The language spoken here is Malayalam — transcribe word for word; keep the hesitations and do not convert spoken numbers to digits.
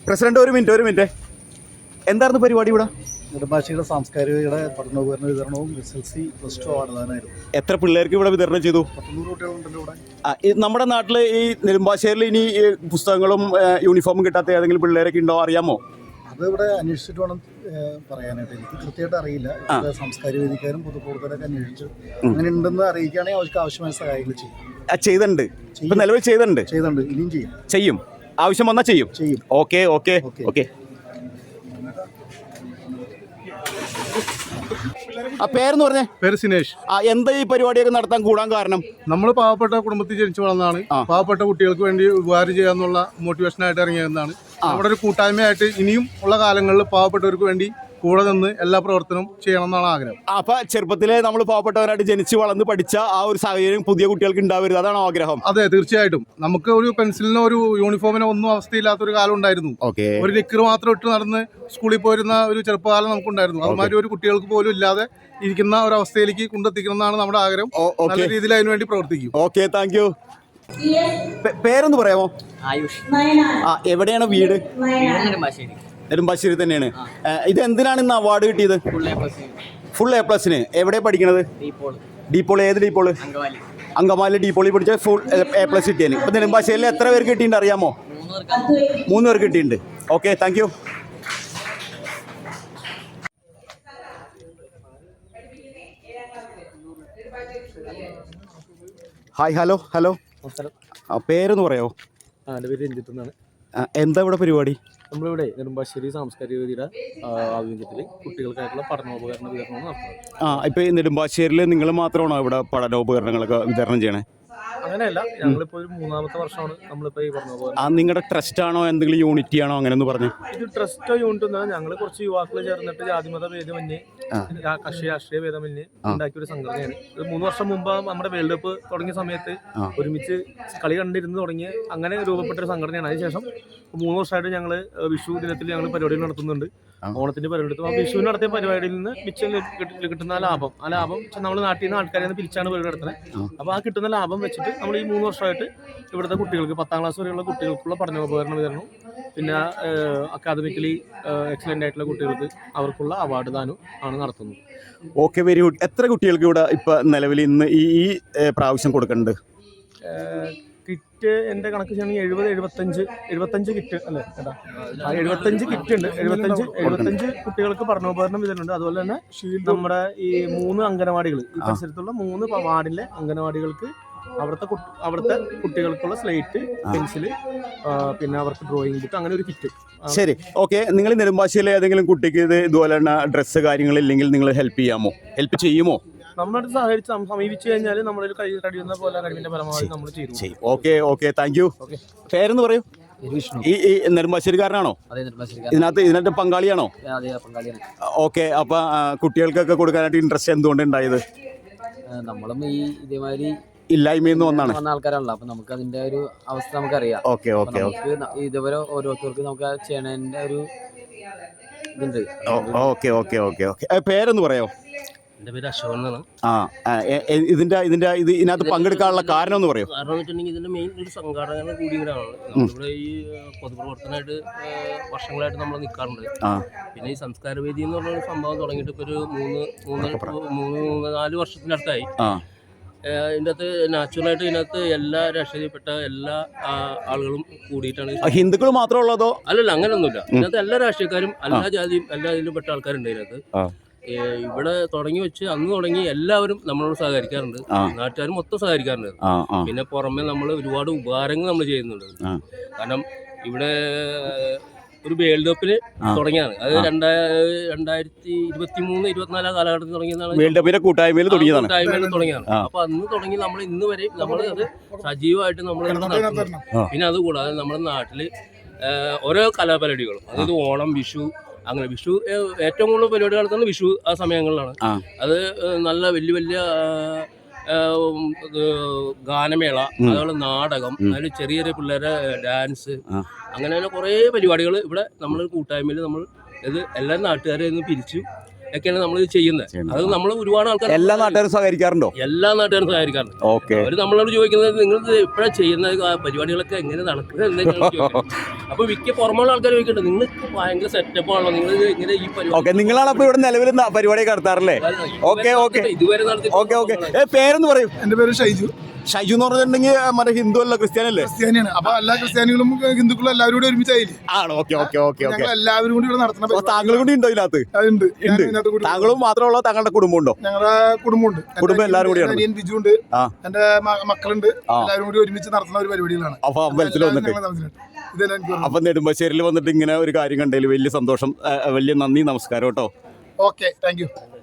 പ്രസിഡന്റ് ഒരു മിനിറ്റ് ഒരു മിനിറ്റ് എന്തായിരുന്നു പരിപാടി ഇവിടെ? നെടുമ്പാശ്ശേരിയുടെ സാംസ്കാരികയുടെ പഠനോപകരണ വിതരണവും S L C plus two അവാർഡാനായിരുന്നു. എത്ര പിള്ളേർക്ക് ഇവിടെ വിതരണം ചെയ്തു? പത്തൊന്നൂറ് കുട്ടികളുണ്ടല്ലോ ഇവിടെ. നമ്മുടെ നാട്ടിൽ ഈ നെടുമ്പാശ്ശേരിയിൽ ഇനി പുസ്തകങ്ങളും യൂണിഫോമും കിട്ടാത്ത ഏതെങ്കിലും പിള്ളേരൊക്കെ ഉണ്ടോ അറിയാമോ? അത് ഇവിടെ അന്വേഷിച്ചിട്ട് വേണം പറയാനായിട്ട്. എനിക്ക് കൃത്യമായിട്ട് അറിയില്ല. സാംസ്കാരിക വേദിക്കാരും പൊതുപ്രവർത്തകരൊക്കെ അന്വേഷിച്ചു അങ്ങനെ ഉണ്ടെന്ന് അറിയിക്കുകയാണെങ്കിൽ അവർക്ക് ആവശ്യമായ സഹായങ്ങൾ ചെയ്യും. ചെയ്തിട്ടുണ്ട്, ഇപ്പൊ നിലവിൽ ചെയ്തിട്ടുണ്ട് ചെയ്തിട്ടുണ്ട് ഇനിയും ചെയ്യും ചെയ്യും ആവശ്യം വന്നാൽ ചെയ്യും ചെയ്യും ഓക്കെ ഓക്കെ ഓക്കെ. ആ പേരെന്ന് പറഞ്ഞേ? പേര് സിനേഷ്. ആ എന്താ ഈ പരിപാടിയൊക്കെ നടത്താൻ കൂടാൻ കാരണം? നമ്മൾ പാവപ്പെട്ട കുടുംബത്തിൽ ജനിച്ചു വളർന്നതാണ്. പാവപ്പെട്ട കുട്ടികൾക്ക് വേണ്ടി ഉപകാരം ചെയ്യാന്നുള്ള മോട്ടിവേഷനായിട്ട് ഇറങ്ങിയതാണ്. നമ്മുടെ ഒരു കൂട്ടായ്മയായിട്ട് ഇനിയും ഉള്ള കാലങ്ങളിൽ പാവപ്പെട്ടവർക്ക് വേണ്ടി കൂടെ നിന്ന് എല്ലാ പ്രവർത്തനവും ചെയ്യണം എന്നാണ് ആഗ്രഹം. അപ്പൊ ചെറുപ്പത്തിലെ നമ്മൾ പാവപ്പെട്ടവരായിട്ട് ജനിച്ച് വളർന്ന് പഠിച്ച ആ ഒരു സാഹചര്യം പുതിയ കുട്ടികൾക്ക് ഉണ്ടാവരുത്, അതാണ് ആഗ്രഹം. അതെ, തീർച്ചയായിട്ടും. നമുക്ക് ഒരു പെൻസിലിനോ ഒരു യൂണിഫോമിനോ ഒന്നും അവസ്ഥയില്ലാത്തൊരു കാലം ഉണ്ടായിരുന്നു. ഒരു നിക്കർ മാത്രം ഇട്ട് നടന്ന് സ്കൂളിൽ പോയിരുന്ന ഒരു ചെറുപ്പകാലം നമുക്കുണ്ടായിരുന്നു. അതുമാതിരി ഒരു കുട്ടികൾക്ക് പോലും ഇല്ലാതെ ഇരിക്കുന്ന ഒരു അവസ്ഥയിലേക്ക് കൊണ്ടെത്തിക്കണം എന്നാണ് നമ്മുടെ ആഗ്രഹം. നല്ല രീതിയിൽ അതിനുവേണ്ടി പ്രവർത്തിക്കും. Okay, thank you. പേരൊന്ന് പറയാമോ? ആയുഷ്. ആ എവിടെയാണ് വീട്? നെടുമ്പാശ്ശേരി തന്നെയാണ്. ഇത് എന്തിനാണ് ഇന്ന് അവാർഡ് കിട്ടിയത്? ഫുൾ എ പ്ലസിന്. എവിടെ പഠിക്കണത്? ഡീപോൾ. ഏത് ഡീപോള്? അങ്കമാലി ഡീപോളിൽ പഠിച്ച ഫുൾ എ പ്ലസ് കിട്ടിയാണ്. ഇപ്പൊ നെടുമ്പാശ്ശേരിയിൽ എത്ര പേർക്ക് കിട്ടിയിട്ടുണ്ട് അറിയാമോ? മൂന്ന് പേർക്ക് കിട്ടിയിട്ടുണ്ട്. Okay, thank you. Hi, hello hello. പേരൊന്ന് പറയാമോ? എൻ്റെ പേര് രഞ്ജിത്ത് എന്നാണ്. എന്താ ഇവിടെ പരിപാടി? നമ്മളിവിടെ നെടുമ്പാശ്ശേരി സാംസ്കാരിക വേദിയുടെ ആഭിമുഖ്യത്തിൽ കുട്ടികൾക്കായിട്ടുള്ള പഠനോപകരണ വിതരണം നടത്തുന്നത്. ആ ഇപ്പോൾ ഈ നെടുമ്പാശ്ശേരിയിൽ നിങ്ങൾ മാത്രമാണോ ഇവിടെ പഠനോപകരണങ്ങളൊക്കെ വിതരണം ചെയ്യണേ? അങ്ങനെയല്ല, ഞങ്ങളിപ്പോൾ ഒരു മൂന്നാമത്തെ വർഷമാണ് നമ്മളിപ്പോൾ ഈ പഠനോപകരണം. ആ നിങ്ങളുടെ ട്രസ്റ്റ് ആണോ എന്തെങ്കിലും യൂണിറ്റി ആണോ അങ്ങനെ ഒന്ന് പറഞ്ഞു? ഇത് ട്രസ്റ്റോ യൂണിറ്റ് ഒന്നും, ഞങ്ങൾ കുറച്ച് യുവാക്കൾ ചേർന്നിട്ട് ജാതിമത ഭേദമന്യേ കക്ഷി രാഷ്ട്രീയ ഭേദമന്യേ ഉണ്ടാക്കിയ ഒരു സംഘടനയാണ്. ഇത് മൂന്ന് വർഷം മുമ്പ് നമ്മുടെ വേൾഡ് കപ്പ് തുടങ്ങിയ സമയത്ത് ഒരുമിച്ച് കളി കണ്ടിരുന്ന് തുടങ്ങിയ അങ്ങനെ രൂപപ്പെട്ട ഒരു സംഘടനയാണ്. അതിനുശേഷം മൂന്ന് വർഷമായിട്ട് ഞങ്ങൾ വിഷു ദിനത്തിൽ ഞങ്ങൾ പരിപാടികൾ നടത്തുന്നുണ്ട്. ഓണത്തിന്റെ പരിപാടി എടുത്തു. ആ വിഷുവിന് നടത്തിയ പരിപാടിയിൽ നിന്ന് മിച്ചം കിട്ടുന്ന ലാഭം, ആ ലാഭം നമ്മൾ നാട്ടിൽ നിന്ന് ആൾക്കാരെ നിന്ന് പിരിച്ചാണ് പരിപാടി നടത്തുന്നത്. അപ്പോൾ ആ കിട്ടുന്ന ലാഭം വെച്ചിട്ട് നമ്മൾ ഈ മൂന്ന് വർഷമായിട്ട് ഇവിടുത്തെ കുട്ടികൾക്ക് പത്താം ക്ലാസ് വരെയുള്ള കുട്ടികൾക്കുള്ള പഠനോപകരണ വിതരണം, പിന്നെ അക്കാദമിക്കലി എക്സലൻ്റ് ആയിട്ടുള്ള കുട്ടികൾക്ക് അവർക്കുള്ള അവാർഡ് ദാനം ആണ് നടത്തുന്നത്. Okay, very good. എത്ര കുട്ടികൾക്ക് ഇവിടെ ഇപ്പം നിലവിൽ ഇന്ന് ഈ ഈ പ്രാവശ്യം കൊടുക്കുന്നുണ്ട്? കിറ്റ് എൻ്റെ കണക്ക് ചെയ്യണമെങ്കിൽ എഴുപത് എഴുപത്തഞ്ച് എഴുപത്തഞ്ച് കിറ്റ് അല്ലേ ചേട്ടാ? എഴുപത്തഞ്ച് കിറ്റ് ഉണ്ട്. എഴുപത്തഞ്ച് എഴുപത്തഞ്ച് കുട്ടികൾക്ക് പഠനോപകരണം വിതരണമുണ്ട്. അതുപോലെ തന്നെ നമ്മുടെ ഈ മൂന്ന് അംഗനവാടികൾ, ഈ പരിസരത്തുള്ള മൂന്ന് വാർഡിലെ അംഗനവാടികൾക്ക് അവിടുത്തെ അവിടുത്തെ കുട്ടികൾക്കുള്ള സ്ലേറ്റ്, പെൻസില്, പിന്നെ അവർക്ക് ഡ്രോയിങ് ബുക്ക്, അങ്ങനെ ഒരു കിറ്റ്. ശരി, ഓക്കെ. നിങ്ങൾ നെടുമ്പാശ്ശേരിയിലെ ഏതെങ്കിലും കുട്ടിക്ക് ഇത് ഇതുപോലെ തന്നെ ഡ്രസ്സ് കാര്യങ്ങളില്ലെങ്കിൽ നിങ്ങൾ ഹെൽപ്പ് ചെയ്യാമോ, ഹെൽപ്പ് ചെയ്യുമോ? നമ്മളോട് സഹകരിച്ച് സമീപിച്ചു കഴിഞ്ഞാൽ നമ്മുടെ കഴിയുന്ന പോലെ കഴിവിന്റെ പരമാവധി നമ്മൾ ചെയ്യും. Okay okay, thank you. പേരെന്ന് പറയൂ. ഈ ഈ നെടുമ്പാശ്ശേരിക്കാരനാണോ? ഇതിനകത്ത് ഇതിനകത്ത് പങ്കാളിയാണോ? ഓക്കെ. അപ്പൊ കുട്ടികൾക്കൊക്കെ കൊടുക്കാനായിട്ട് ഇൻട്രസ്റ്റ് എന്തുകൊണ്ട് ഉണ്ടായത്? നമ്മളും ഈ ഇതേമാതിരി ഇല്ലായ്മയെന്ന് വന്നാണ് വന്ന ആൾക്കാരാണല്ലോ. അപ്പൊ നമുക്ക് അതിന്റെ ഒരു അവസ്ഥ നമുക്കറിയാം. Okay okay okay. ഇതുവരെ ഓരോരുത്തർക്ക് നമുക്ക് ചെയ്യണതിന്റെ ഒരു ഇതുണ്ട്. Okay okay okay okay. പേരെന്ന് പറയോ? എൻ്റെ പേര് അശോകൻ എന്നാണ്. ആ ഇതിന്റെ ഇതിന്റെ ഇത് ഇതിനകത്ത് പങ്കെടുക്കാനുള്ള കാരണം എന്ന് പറയോ? കാരണം എന്ന് വെച്ചിട്ടുണ്ടെങ്കിൽ ഇതിന്റെ മെയിൻ ഒരു സംഘാടകരുടെ കൂടിയാണ്. നമ്മളിവിടെ ഈ പൊതുപ്രവർത്തനമായിട്ട് വർഷങ്ങളായിട്ട് നമ്മൾ നിൽക്കാറുണ്ട്. പിന്നെ ഈ സംസ്കാര വേദി എന്ന് പറഞ്ഞ സംഭവം തുടങ്ങിയിട്ട് ഇപ്പോൾ ഒരു മൂന്ന് മൂന്ന് മൂന്ന് നാല് വർഷത്തിനടുത്തായി. ഇതിൻ്റെ അകത്ത് നാച്ചുറലായിട്ട് ഇതിനകത്ത് എല്ലാ രാഷ്ട്രീയപ്പെട്ട എല്ലാ ആളുകളും കൂടിയിട്ടാണ്. ഹിന്ദുക്കൾ മാത്രമേ ഉള്ളതോ? അല്ലല്ല, അങ്ങനെയൊന്നുമില്ല. ഇതിനകത്ത് എല്ലാ രാഷ്ട്രീയക്കാരും എല്ലാ ജാതിയും എല്ലാ ഇതിലും പെട്ട ആൾക്കാരുണ്ട് ഇതിനകത്ത്. ഇവിടെ തുടങ്ങി വെച്ച് അന്ന് തുടങ്ങി എല്ലാവരും നമ്മളോട് സഹകരിക്കാറുണ്ട്. നാട്ടുകാരും മൊത്തം സഹകരിക്കാറുണ്ട്. പിന്നെ പുറമെ നമ്മൾ ഒരുപാട് ഉപകാരങ്ങൾ നമ്മൾ ചെയ്യുന്നുണ്ട്. കാരണം ഇവിടെ ഒരു വേൾഡ് കപ്പിന് തുടങ്ങിയാണ്. അത് രണ്ടാ രണ്ടായിരത്തി ഇരുപത്തി മൂന്ന് ഇരുപത്തിനാലാം കാലഘട്ടത്തിൽ തുടങ്ങിയതാണ്. വേൾഡ് കപ്പിന്റെ കൂട്ടായ്മയിൽ തുടങ്ങിയതാണ് കൂട്ടായ്മയിൽ തുടങ്ങിയാണ്. അപ്പൊ അന്ന് തുടങ്ങി നമ്മൾ ഇന്ന് വരെ നമ്മൾ അത് സജീവമായിട്ട് നമ്മൾ നടത്തുന്നു. പിന്നെ അതുകൂടാതെ നമ്മുടെ നാട്ടില് ഓരോ കലാപരിപാടികളും, അതായത് ഓണം, വിഷു, അങ്ങനെ വിഷു ഏറ്റവും കൂടുതൽ പരിപാടി നടത്തുന്നത് വിഷു ആ സമയങ്ങളിലാണ്. അത് നല്ല വലിയ വലിയ ഗാനമേള, അതുപോലെ നാടകം, അതിൽ ചെറിയ ചെറിയ പിള്ളേരെ ഡാൻസ്, അങ്ങനെ അങ്ങനെ കുറേ പരിപാടികൾ ഇവിടെ നമ്മൾ കൂട്ടായ്മയിൽ നമ്മൾ ഇത് എല്ലാ നാട്ടുകാരെ ഒന്ന് പിരിച്ചു ഒക്കെയാണ് നമ്മൾ ചെയ്യുന്നത്. അത് നമ്മൾ ഒരുപാട് ആൾക്കാർ എല്ലാ നാട്ടുകാരും സഹകരിക്കാറുണ്ടോ? എല്ലാ നാട്ടുകാരും സഹകരിക്കാറുണ്ട്. അവർ നമ്മളോട് ചോദിക്കുന്നത് നിങ്ങൾ എപ്പോഴാണ് ചെയ്യുന്നത്, പരിപാടികളൊക്കെ എങ്ങനെ നടക്കുന്നത് എന്നൊക്കെയാണ് ചോദിക്കുന്നത്. അപ്പൊ മിക്ക പുറമുള്ള ആൾക്കാർ ചോദിക്കുന്നുണ്ട് നിങ്ങൾക്ക് ഭയങ്കര സെറ്റപ്പ് ആണല്ലോ നിങ്ങൾ ഇങ്ങനെ ഈ ഓക്കെ, നിങ്ങളാണ് അപ്പോൾ ഇവിടെ നിലവിൽ ന- പരിപാടിയൊക്കെ നടത്താറല്ലേ? ഓക്കെ ഓക്കെ ഇതുവരെ നടത്തി ഓക്കെ ഓക്കെ ഏ പേരെന്ന് പറയും? എൻ്റെ പേര് ഷൈജു. ഷൈജു എന്ന് പറഞ്ഞിട്ടുണ്ടെങ്കിൽ മറ്റേ ഹിന്ദു അല്ല ക്രിസ്ത്യാനല്ലേ? ക്രിസ്ത്യാനിയാണ്. അപ്പൊ എല്ലാ ക്രിസ്ത്യാനികളും ഹിന്ദുക്കളും എല്ലാവരും കൂടി ഒരുമിച്ചായില്ലേ? ആണ്. Okay okay okay okay. ഞങ്ങൾ എല്ലാവരും കൂടി ഇവിടെ നടത്തുന്ന അപ്പോൾ താങ്കൾ കൂടി ഉണ്ടോ ഇതിനകത്ത്? അതുണ്ട്. ഉണ്ട്. താങ്കളും മാത്രമുള്ള താങ്കളുടെ കുടുംബം ഉണ്ടോ? ഞങ്ങളുടെ കുടുംബമുണ്ട്. കുടുംബം എല്ലാവരും കൂടിയാണ്. അനിയൻ ബിജു ഉണ്ട്, ആ. എന്റെ മ- മക്കളുണ്ട്. ആ. എല്ലാവരും കൂടി ഒരുമിച്ച് നടത്തുന്ന ഒരു പരിപാടികളാണ്. അപ്പൊ അമ്പലത്തിൽ വന്നിട്ട് ഇതെല്ലാം എനിക്ക് അപ്പൊ നെടുമ്പാശ്ശേരിയിൽ വന്നിട്ട് ഇങ്ങനെ ഒരു കാര്യം കണ്ടതിൽ വലിയ സന്തോഷം. ആ, വലിയ നന്ദി, നമസ്കാരം കേട്ടോ. Okay, thank U.